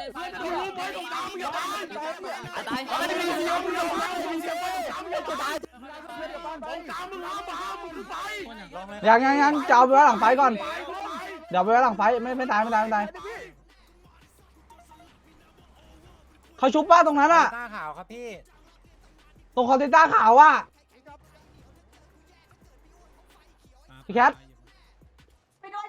รู้ไหมตรงกลางมึงอย่าตายตายไม่ได้มีเสียงมึงอย่าตายมีเสียงตรงกลางมึงอย่าตายตรงกลางมึงห้ามมึงขึ้นไปยังจะเอาไปไว้หลังไฟก่อนเดี๋ยวไปไว้หลังไฟไม่ตายเขาชุบป้าตรงนั้นอะต้าขาวครับพี่ตรงคอนเทนต้าขาวอะพี่แคทไปด้วย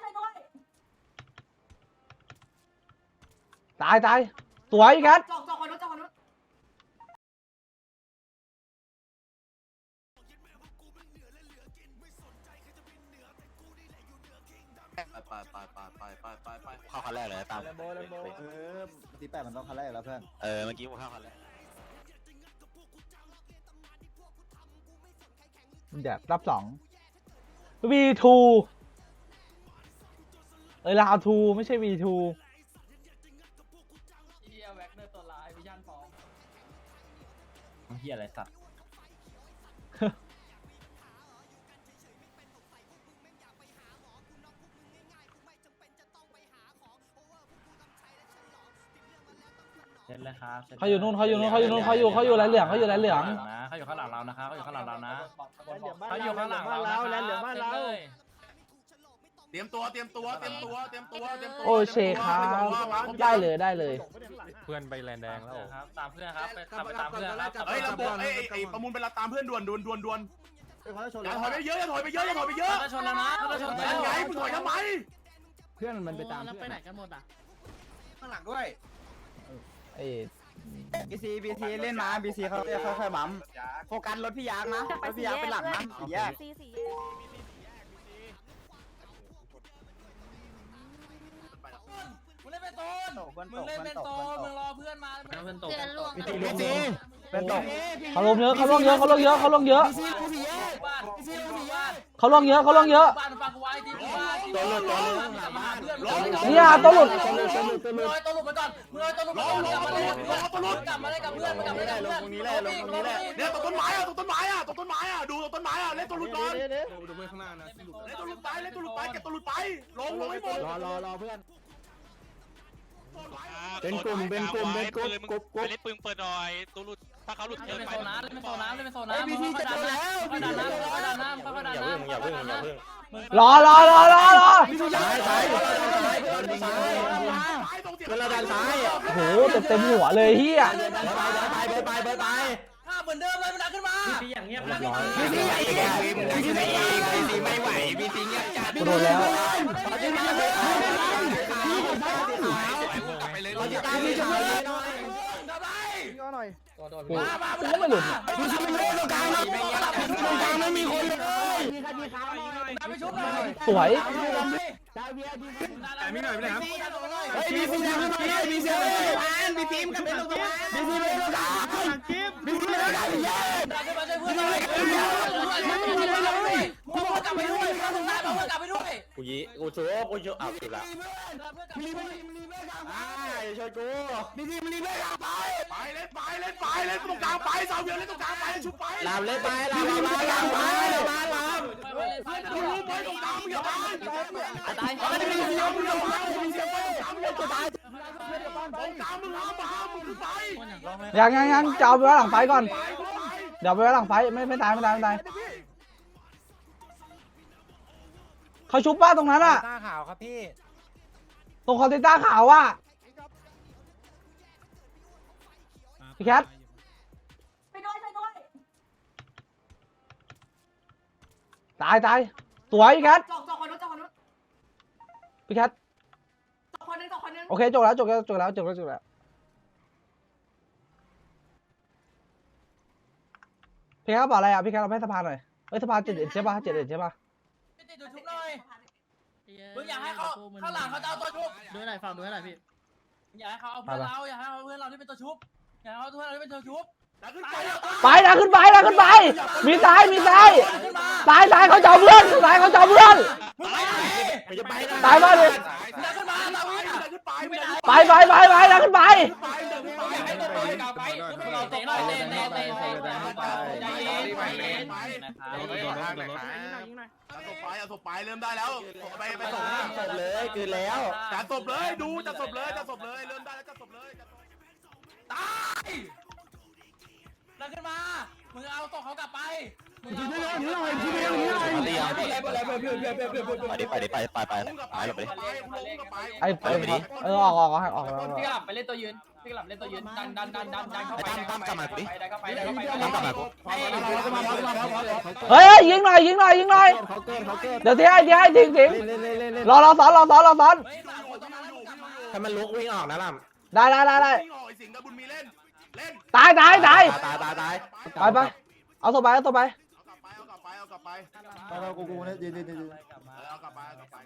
ตายสวยพี่แคทจอกคนนู้นไปเข้าคันแรกเลยตามที่8มันต้องคันแรกแล้วเพื่อนเมื่อกี้ผมเข้าคันแรกเดี๋ยวรับ2 V2 ลาว2ไม่ใช่ V2 เฮียแว็กเนอร์ตัวร้ายวิชั่นฟอร์มเฮียอะไรสัตว์เสร็จแล้วครับเขาอยู่นู่นเขาอยู่ไรเหลืองเขาอยู่ข้างหลังเรานะเขาอยู่ข้างหลังเรานะเขาอยู่ข้างหลังเราแล้วเหลืองบ้านเราเตรียมตัวโอ้เชครับได้เลยเพื่อนไปแลนแดงแล้วครับตามเพื่อนครับไปตามเพื่อนครับเฮ้ยระบบไอ้ประมูลเป็นตามเพื่อนด่วนอย่าถอยไปเยอะชนแล้วนะชนแล้วไงมึงถอยทำไมเพื่อนมันไปตามแล้วไปไหนกันหมดอ่ะข้างหลังด้วยบีซีเล่นมาบีซีเขาค่อยๆบัมโฟกัสรถพี่ยางนะรถพี่ยางเป็นหลังนะสี่แยกมึงเล่นเป็นโซนมึงรอเพื่อนมาเป็นตกบีซีเป็นตกเขาลงเยอะเขาลงเยอะเขาลงเยอะเขาลงเยอะฟังกูไว้ที่บ้านเนี่ยตัวหลุดมึงเอาตัวหลุดมาก่อนมึงเอาตัวหลุดกลับมาเล่นกับเพื่อนเนี่ยตรงต้นไม้อ่ะดูตรงต้นไม้อ่ะเล่นตัวหลุดก่อนดูเพื่อนข้างหน้านะเล่นตัวหลุดไปเก็บตัวหลุดไปลงให้หมดรอเพื่อนเป็นกลุ่มเป็นกลุ่มเล่นปืนเปิดหน่อยตัวหลุดถ้าเขาหลุดเกินไปเล่นเป็นโซนบีซีจะโดนแล้วดันน้ำรอดันซ้ายโหเต็มหัวเลยเฮียไปเหมือนเดิมเลยมันดันขึ้นมาบีอย่างเงียบแล้วบีซีไม่ไหวบีซีเงียบจัดโดนแล้วตามพี่จะไม่ไม่หลุดไม่มีคนเลยสวยไม่หน่อยไม่ได้ครับบีซีมันเป็นลูกบีซีเป็นลูกกูชูเอาสุดละช่วยกูบีซีมันรีบไปเล่นตรงกลางไปสาวเวียนเล่นตรงกลางไปชุบไปลามเล่นไปรู้ไหมตรงกลางมึงอย่าตายไม่ได้มีเสียงมึงอย่าตายมีเสียงตรงกลางมึงอย่าตายตรงกลางมึงห้ามมึงขึ้นไปยังจะเอาไปไว้หลังไฟก่อนเดี๋ยวไปไว้หลังไฟไม่ตายเขาชุบป้าตรงนั้นอะต้าขาวครับพี่ตรงคอนเทนต้าขาวอะพี่แคทไปด้วยตายสวยพี่แคทจอกคนนู้นพี่แคทจอกคนนึงโอเคจบแล้วพี่แคทบอกอะไรอ่ะพี่แคทเราให้สะพานหน่อยสะพาน7 ใช่ป่ะ7ใช่ป่ะติดตัวชุบหน่อยมึงอยากให้เขาข้างหลังเขาจะเอาตัวชุบดูหน่อยฟังดูหน่อยพี่อยากให้เขาเอาเพื่อนเราที่เป็นตัวชุบอยากให้เขาเพื่อนเราที่เป็นตัวชุบไปนะขึ้นไปมีซ้ายเขาจับเพื่อนตายมาดิไปนะขึ้นไปศพไปเริ่มได้แล้วไปส่งเลยคือแล้วจัดศพเลยดูจัดศพเลยเริ่มได้แล้วจัดศพเลยเอาตัวเขากลับไปไอ้ออกออกพี่กลับไปเล่นตัวยืนพี่กลับเล่นตัวยืนดันเข้าไปตั้มกลับมาดิได้ก็ไปเฮ้ยยิงหน่อยเดี๋ยวที่ให้ทิ้งรอซ้อนถ้ามันลุกวิ่งออกนะล่ะได้ตายไปเอาตัวไปเอากลับไปกูเนี่ยยืนเอากลับไป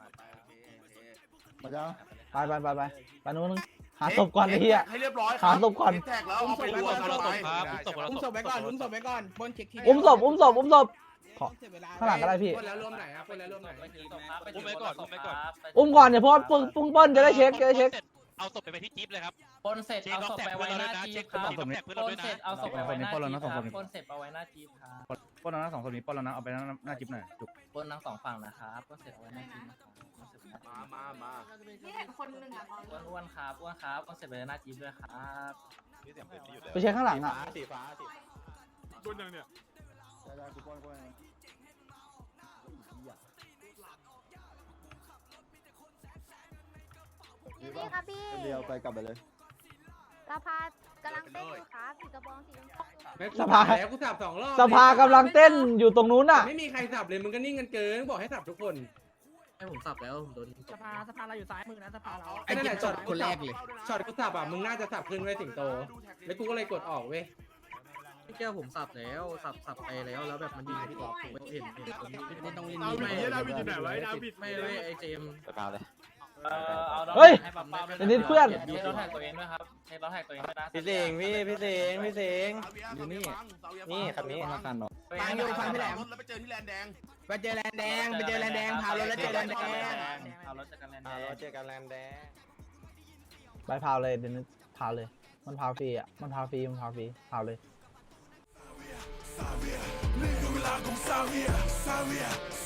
มาจ้าไปนู้นหาศพก่อนไอ้เหี้ยให้เรียบร้อยหาศพก่อนแท็กแล้วเอาไปรวมกันไปอุ้มศพไว้ก่อนบนเช็คทีอุ้มศพข้างหลังก็ได้พี่อุ้มไว้ก่อนอุ้มก่อนเนี่ยเพราะปึ้งเปิ้ลจะได้เช็คเอาศพไปที่จิ๊บเลยครับปนเสร็จเอาศพไปไว้หน้าจีบครับปนเสร็จเอาศพไปไว้หน้าจีบครับปนเสร็จเอาไว้หน้าจีบครับปล้นแล้วนะ2คนนี้ปล้นแล้วนะเอาไปหน้าจิ๊บหน่อยจุกปนทั้ง2ฝั่งนะครับปนเสร็จเอาไว้หน้าจีบนะครับมานี่เห็นคนหนึ่งอ่ะอ้วนครับปนเสร็จไปหน้าจีบด้วยครับไปเช็คข้างหลังอ่ะสีฟ้าต้นยังเนี่ยพี่ครับพี่เดียวไปกลับไปเลยสภากำลังเต้นอยู่ครับสีกระบองสีชมพูสภาแล้วกูสับ2 รอบสภากำลังเต้นอยู่ตรงนู้นน่ะไม่มีใครสับเลยมึงก็นิ่งกันเกินบอกให้สับทุกคนให้ผมสับแล้วผมโดนสภาเราอยู่ซ้ายมือนะสภาเราไอ้นั่นแหละช็อตคนแรกเลยช็อตกูสับอ่ะมึงน่าจะสับขึ้นไว้สิงโตแล้วกูก็เลยกดออกเว้ยพี่แก้วผมสับแล้วสับไปแล้วแบบมันยิงพี่กอล์ฟผมไม่เห็นตรงนี้ไม่ต้องลินดาวิดเนี่ยดาวิดอยู่ไหนวะดาวิดไม่ไอเจมไปเปล่าเลยเฮ้ยให้ปั๊มๆเดี๋ยวนี้เพื่อนเทสเราแท็กตัวเองด้วยครับเทสเราแท็กตัวเองด้วยนะพี่เสงอยู่นี่ครับนี้มากันเนาะฟังอยู่ฟังพี่แหลมแล้วไปเจอที่แลนแดงพารถแล้วเจอกันแลนแดงพารถเจอกันแลนแดงเจอกันแลนแดงไปพาวเลยเดี๋ยวนี้พาวเลยมันพาวฟรีอ่ะมันพาวฟรีพาวเลยนี่คือเวลาของซาเวีย